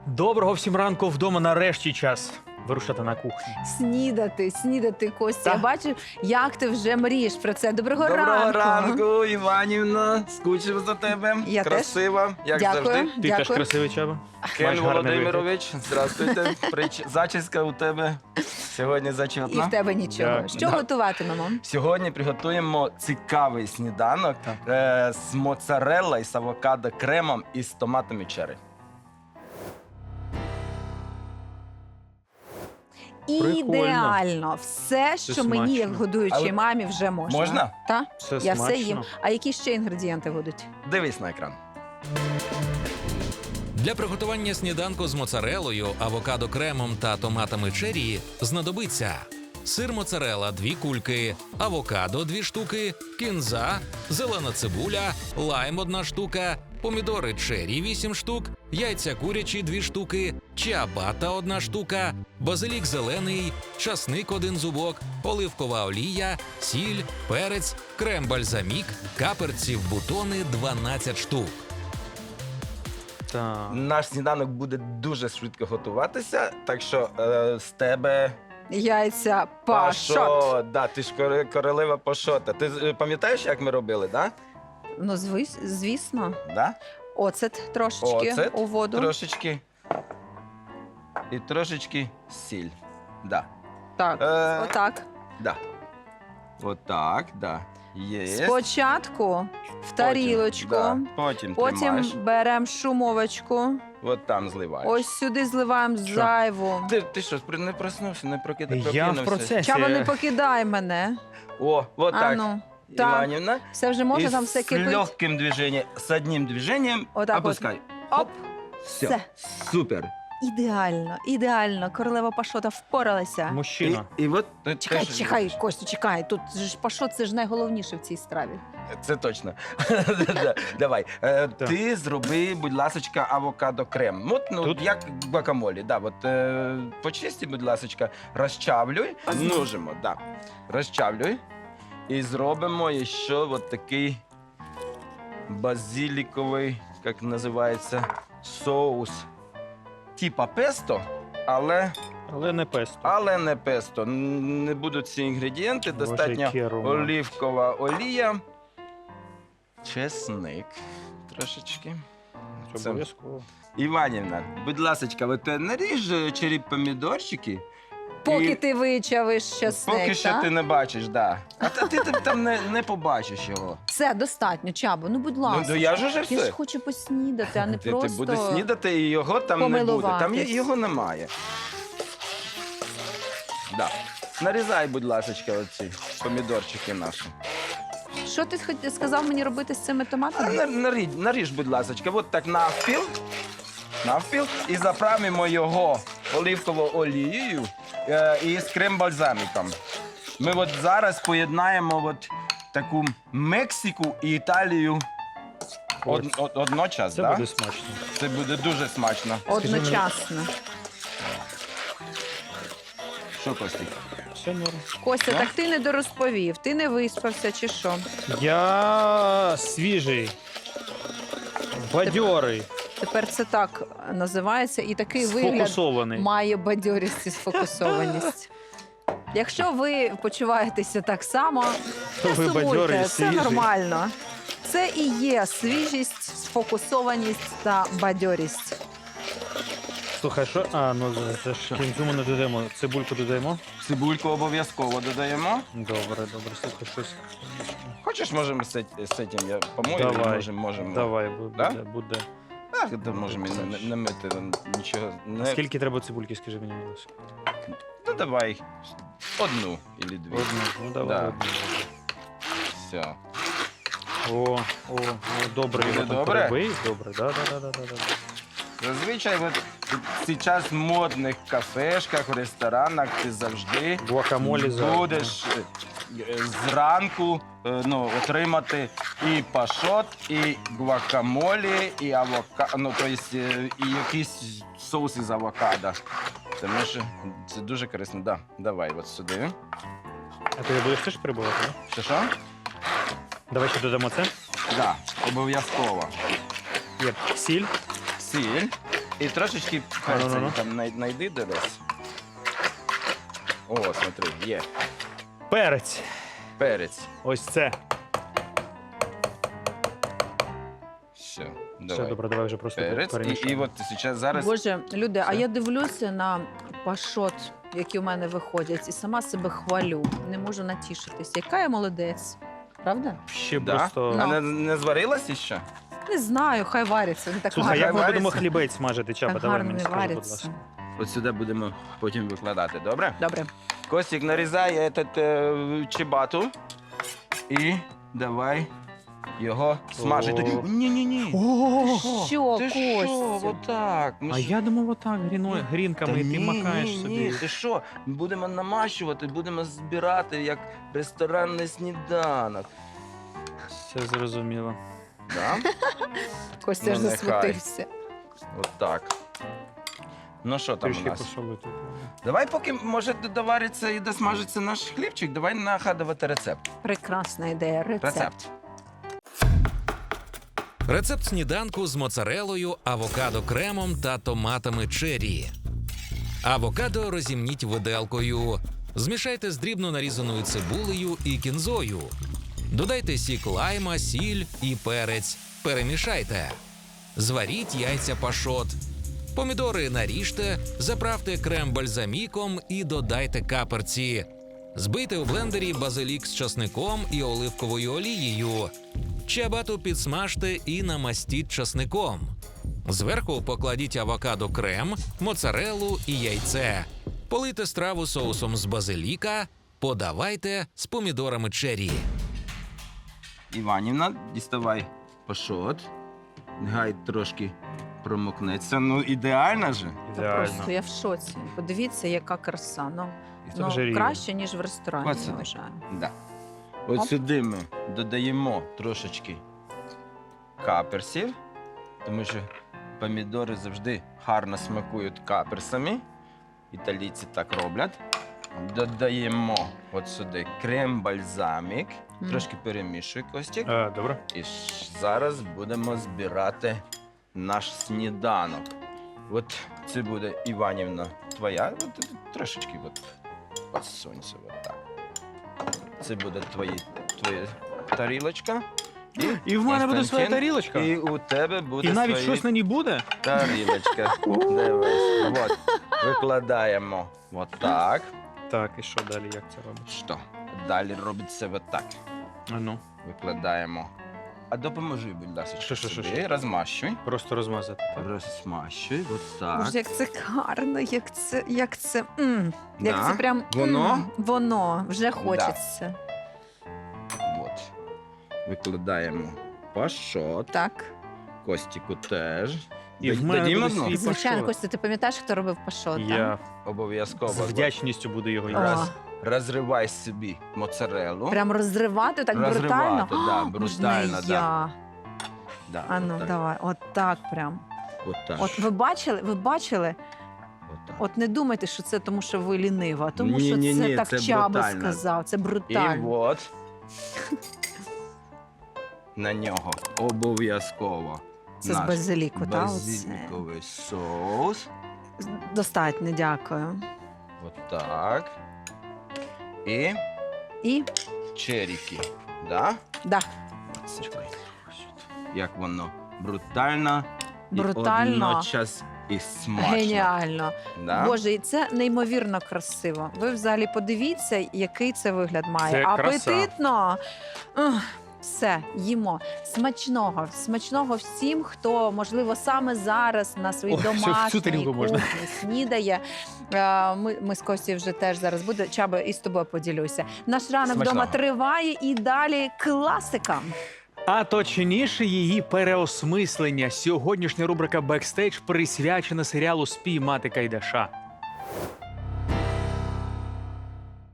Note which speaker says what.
Speaker 1: Доброго всім ранку вдома. Нарешті час вирушати на кухню.
Speaker 2: Снідати, Костя.
Speaker 1: Та.
Speaker 2: Я бачу, як ти вже мрієш про це. Доброго
Speaker 3: Доброго
Speaker 2: ранку.
Speaker 3: ранку, Іванівна. Скучив за тебе.
Speaker 2: Я теж.
Speaker 3: Красива, як
Speaker 2: Дякую.
Speaker 3: завжди.
Speaker 1: Ти
Speaker 2: Дякую.
Speaker 1: теж красивий, Чаба.
Speaker 3: Кен
Speaker 1: Маєш гарний
Speaker 3: Володимирович, здравствуйте. Зачіска у тебе сьогодні
Speaker 2: І
Speaker 3: зачетна.
Speaker 2: в тебе нічого.
Speaker 1: Дякую.
Speaker 2: Що
Speaker 3: Да.
Speaker 2: готуватимемо?
Speaker 3: Сьогодні приготуємо цікавий сніданок з моцарелла, з авокадо кремом і з томатами черрі.
Speaker 1: Прикольно.
Speaker 2: Ідеально. Все, що мені, як
Speaker 1: смачно.
Speaker 2: годуючій
Speaker 3: Але-
Speaker 2: мамі, вже можна.
Speaker 3: Можна?
Speaker 2: Так?
Speaker 1: Все
Speaker 2: Я
Speaker 1: смачно.
Speaker 2: все їм. А які ще інгредієнти будуть?
Speaker 3: Дивись на екран.
Speaker 4: Для приготування сніданку з моцарелою, авокадо-кремом та томатами черрі знадобиться сир моцарелла – 2 кульки, авокадо – 2 штуки, кінза, зелена цибуля, лайм – 1 штука, помідори черрі – 8 штук, яйця курячі – 2 штуки, чиабата – 1 штука, базилік зелений, часник – 1 зубок, оливкова олія, сіль, перець, крем-бальзамік, каперці в бутони – 12 штук.
Speaker 1: Так.
Speaker 3: Наш сніданок буде дуже швидко готуватися, так що з тебе
Speaker 2: Яйця пашот.
Speaker 3: пашот. Да, ти ж королева пашота. Ти пам'ятаєш, як ми робили, да?
Speaker 2: Ну, звісно.
Speaker 3: Да?
Speaker 2: Оцет трошечки
Speaker 3: Оцет
Speaker 2: у воду.
Speaker 3: Трошечки. І трошечки сіль. Да.
Speaker 2: Так, отак.
Speaker 3: Да. Отак, да. Є.
Speaker 2: Спочатку в тарілочку.
Speaker 3: Да. Потім
Speaker 2: Потім
Speaker 3: тримаєш.
Speaker 2: беремо шумовочку.
Speaker 3: От там зливаєш.
Speaker 2: Ось сюди зливаємо
Speaker 1: Що?
Speaker 2: зайву.
Speaker 3: Ти що, не проснувся, не прокинувся?
Speaker 1: Я в процесі.
Speaker 2: Чаба, не покидай мене.
Speaker 3: О, вот
Speaker 2: А
Speaker 3: так.
Speaker 2: ну, так.
Speaker 3: Іванівна.
Speaker 2: Все вже можна,
Speaker 3: И
Speaker 2: там все
Speaker 3: с
Speaker 2: кипить.
Speaker 3: легким движением, с одним движением
Speaker 2: Вот так вот.
Speaker 3: опускай.
Speaker 2: Оп.
Speaker 3: Все.
Speaker 2: Все.
Speaker 3: Супер.
Speaker 2: Ідеально, ідеально. Королева Пашота впоралася.
Speaker 1: Мужчина.
Speaker 3: І от
Speaker 2: Чекай,
Speaker 3: теж-
Speaker 2: чекай, Костю, чекай. Тут же ж Пашот, це ж найголовніше в цій страві.
Speaker 3: Це точно. Да, давай. Ти зроби, будь ласочка, авокадо крем. От, ну,
Speaker 1: Тут?
Speaker 3: як гуакамолі. Да, от, почисти, будь ласочка, розчавлюй. Ножимо, да. Розчавлюй. І зробимо ще от такий базиліковий, як називається, соус. Типа песто, але
Speaker 1: Але не песто.
Speaker 3: не песто. Не будуть ці інгредієнти.
Speaker 1: Боже,
Speaker 3: Достатньо
Speaker 1: який аромат.
Speaker 3: олівкова олія, чесник трошечки.
Speaker 1: Це
Speaker 3: Це-
Speaker 1: обов'язково.
Speaker 3: Іванівна, будь ласка, от наріж черрі помідорчики.
Speaker 2: Поки
Speaker 3: І
Speaker 2: ти вичавиш часник,
Speaker 3: поки що
Speaker 2: так?
Speaker 3: ти не бачиш, да. А ти там не побачиш його.
Speaker 2: Все, достатньо, Чабо, ну будь ласка.
Speaker 3: Ну я ж уже
Speaker 2: Я ж
Speaker 3: все.
Speaker 2: хочу поснідати, а не
Speaker 3: Ти
Speaker 2: просто...
Speaker 3: будеш снідати, і його там не буде. Там
Speaker 2: помилуватись.
Speaker 3: його немає. Да. Нарізай, будь ласка, оці помідорчики наші.
Speaker 2: Що ти сказав мені робити з цими томатами?
Speaker 3: Наріж, будь ласка, от так навпіл, і заправимо його оливковою олією і з крем-бальзаміком. Ми от зараз поєднаємо от таку Мексику і Італію одночас.
Speaker 1: Це
Speaker 3: Да?
Speaker 1: буде смачно.
Speaker 3: Це буде дуже смачно.
Speaker 2: Одночасно.
Speaker 3: Що, Костік?
Speaker 1: Все норм.
Speaker 2: Костя,
Speaker 3: Да?
Speaker 2: так ти не дорозповів, ти не виспався чи що?
Speaker 1: Я свіжий, бадьорий,
Speaker 2: Тепер це так називається, і такий вигляд
Speaker 1: сфокусований.
Speaker 2: має бадьорість і сфокусованість. Якщо ви почуваєтеся так само,
Speaker 1: То
Speaker 2: не
Speaker 1: ви бадьорий
Speaker 2: сумуйте,
Speaker 1: і
Speaker 2: все
Speaker 1: свіжий.
Speaker 2: нормально. Це і є свіжість, сфокусованість та бадьорість.
Speaker 1: Слухай, що? А, ну це ж кінцю ми не додаємо. Цибульку додаємо.
Speaker 3: Цибульку обов'язково додаємо.
Speaker 1: Добре, слухай, щось.
Speaker 3: Хочеш, можемо з цим, я помою,
Speaker 1: Давай.
Speaker 3: можемо.
Speaker 1: Давай,
Speaker 3: Да?
Speaker 1: буде.
Speaker 3: Так, то можемо і не мити, нічого. Не...
Speaker 1: Скільки треба цибульки, скажи мені, будь ласка?
Speaker 3: Ну давай одну або дві.
Speaker 1: Одну. Ну давай,
Speaker 3: Да.
Speaker 1: одну.
Speaker 3: Все.
Speaker 1: О, добре,
Speaker 3: Буде
Speaker 1: його там
Speaker 3: добре?
Speaker 1: перебий. Добре, да.
Speaker 3: Зазвичай зараз в модних кафешках, в ресторанах ти завжди
Speaker 1: Гуакамолі за.
Speaker 3: будеш зранку отримати і пашот, і гуакамолі, і авокадо, ну, тобто, і якийсь соус із авокадо. Тому що це дуже корисно. Да, давай от сюди.
Speaker 1: А ти будеш теж прибувати, да?
Speaker 3: Що?
Speaker 1: Давай ще додамо це.
Speaker 3: Да, обов'язково.
Speaker 1: Є сіль.
Speaker 3: Сіль. І трошечки
Speaker 1: Ну-ну-ну.
Speaker 3: перцю там найди десь. О, смотри, є.
Speaker 1: Перець.
Speaker 3: Перець.
Speaker 1: Ось це.
Speaker 3: Все,
Speaker 1: Все,
Speaker 3: давай.
Speaker 1: добре, давай вже просто
Speaker 3: Перець. І
Speaker 1: перемішаємо.
Speaker 3: от зараз
Speaker 2: Боже, люди, а
Speaker 3: Все.
Speaker 2: я дивлюся на пашот, які у мене виходять, і сама себе хвалю. Не можу натішитись. Яка я молодець. Правда?
Speaker 1: Ще
Speaker 3: Да?
Speaker 1: просто...
Speaker 2: Ну.
Speaker 3: А не зварилася ще?
Speaker 2: Не знаю, хай вариться. Не так
Speaker 1: Слухай,
Speaker 2: гарно.
Speaker 1: як ми
Speaker 3: вариться?
Speaker 1: будемо хлібець смажити, Чаба?
Speaker 2: Так
Speaker 1: Давай
Speaker 2: гарно
Speaker 1: мені
Speaker 2: не
Speaker 1: скажи, будь
Speaker 2: вариться.
Speaker 1: ласка.
Speaker 3: От сюди будемо потім викладати, добре?
Speaker 2: Добре.
Speaker 3: Костік нарізає чебату і давай його смажити.
Speaker 1: О.
Speaker 3: Ні-ні-ні.
Speaker 2: Що,
Speaker 3: Ти що,
Speaker 2: Костя?
Speaker 3: отак? Ми
Speaker 1: А
Speaker 3: ж-
Speaker 1: я думав, отак грінками, і ти макаєш
Speaker 3: ні,
Speaker 1: собі.
Speaker 3: ти що? Ми будемо намащувати, будемо збирати як ресторанний сніданок.
Speaker 1: Все зрозуміло.
Speaker 3: Да?
Speaker 2: Костя ж
Speaker 3: Ну, нехай.
Speaker 2: засмутився.
Speaker 3: Отак. Ну що там у
Speaker 1: Трішки
Speaker 3: нас?
Speaker 1: посолити.
Speaker 3: Давай, поки може довариться і досмажиться наш хлібчик, давай нагадувати рецепт.
Speaker 2: Прекрасна ідея. Рецепт.
Speaker 4: Рецепт сніданку з моцарелою, авокадо-кремом та томатами чері. Авокадо розімніть виделкою. Змішайте з дрібно нарізаною цибулею і кінзою. Додайте сік лайма, сіль і перець. Перемішайте. Зваріть яйця пашот. Помідори наріжте, заправте крем-бальзаміком і додайте каперці. Збийте у блендері базилік з часником і оливковою олією. Чиабату підсмажте і намастіть часником. Зверху покладіть авокадо-крем, моцарелу і яйце. Полийте страву соусом з базиліка, подавайте з помідорами чері.
Speaker 3: Іванівна, діставай пашот. Нехай трошки промокнеться. Ну, ідеально же.
Speaker 1: Ідеально.
Speaker 2: Просто я в шоці. Подивіться, яка краса. Ну,
Speaker 1: І це вже рівно.
Speaker 2: краще, ніж в ресторані,
Speaker 3: Оце.
Speaker 2: я вважаю.
Speaker 3: Да. От
Speaker 2: Оп.
Speaker 3: сюди ми додаємо трошечки каперсів, тому що помідори завжди гарно смакують каперсами. Італійці так роблять. Додаємо от сюди крем-бальзамік.
Speaker 2: Мгм.
Speaker 3: Трошки перемішуй, Костік.
Speaker 1: Добре.
Speaker 3: І зараз будемо збирати наш сніданок. От це буде, Іванівна, твоя. От, трошечки от сонця. От так. Це буде твоя тарілочка.
Speaker 1: І в мене буде своя
Speaker 3: Константин,
Speaker 1: тарілочка.
Speaker 3: І у тебе буде
Speaker 1: І навіть
Speaker 3: своя
Speaker 1: щось на ній буде?
Speaker 3: тарілочка. Дивись. От. Викладаємо отак.
Speaker 1: Так, і що далі, як це робиш?
Speaker 3: Що? Далі робиться отак.
Speaker 1: А ну,
Speaker 3: Викладаємо. А допоможи, будь ласка,
Speaker 1: Що?
Speaker 3: собі. Розмащуй.
Speaker 1: просто розмазати. Так?
Speaker 3: Розмащуй, отак.
Speaker 2: Боже, як це гарно, як це
Speaker 3: Да?
Speaker 2: прям
Speaker 3: Воно?
Speaker 2: воно вже хочеться.
Speaker 3: От. Викладаємо пашот.
Speaker 2: Так.
Speaker 3: Костіку теж.
Speaker 1: І в мене
Speaker 3: Дадім
Speaker 1: буде
Speaker 3: одну?
Speaker 1: свій
Speaker 2: Звичайно,
Speaker 1: пашот.
Speaker 2: Костя, ти пам'ятаєш, хто робив пашот?
Speaker 1: Я
Speaker 3: Обов'язково.
Speaker 1: з вдячністю буду його
Speaker 2: О.
Speaker 1: їсти.
Speaker 3: Розривай собі моцарелу.
Speaker 2: Прям розривати так брутально?
Speaker 3: Розривати, да,
Speaker 2: Можна
Speaker 3: брутально,
Speaker 2: і
Speaker 3: да.
Speaker 2: я.
Speaker 3: Да,
Speaker 2: А ну,
Speaker 3: отак.
Speaker 2: давай, от так прям.
Speaker 3: Отак.
Speaker 2: От ви бачили?
Speaker 3: Отак.
Speaker 2: От не думайте, що це тому, що ви лінива, а тому що
Speaker 3: Ні-ні-ні,
Speaker 2: це так
Speaker 3: це
Speaker 2: Чаба
Speaker 3: брутально.
Speaker 2: сказав, це
Speaker 3: І
Speaker 2: брутально.
Speaker 3: от на нього обов'язково
Speaker 2: Це з
Speaker 3: наш
Speaker 2: базиліку, так?
Speaker 3: базиліковий соус.
Speaker 2: Достатньо, дякую.
Speaker 3: Отак. І
Speaker 2: І
Speaker 3: черіки. Да?
Speaker 2: да,
Speaker 3: Чекай. Як воно брутально,
Speaker 2: Брутально.
Speaker 3: і одночас і смачно.
Speaker 2: геніально.
Speaker 3: Да?
Speaker 2: Боже, і це неймовірно красиво. Ви взагалі подивіться, який це вигляд має.
Speaker 1: Це краса.
Speaker 2: Апетитно. Ух, все, їмо. Смачного. Смачного всім, хто, можливо, саме зараз на своїй
Speaker 1: Ой, ще в цю
Speaker 2: домашній
Speaker 1: тарілку можна.
Speaker 2: кухні снідає. Ми з Костю вже теж зараз буде. Чаба, і з тобою поділюся. Наш ранок
Speaker 3: Смачного.
Speaker 2: вдома триває і далі класика.
Speaker 1: А точніше її переосмислення. Сьогоднішня рубрика «Бекстейдж» присвячена серіалу «Спіймати Кайдаша».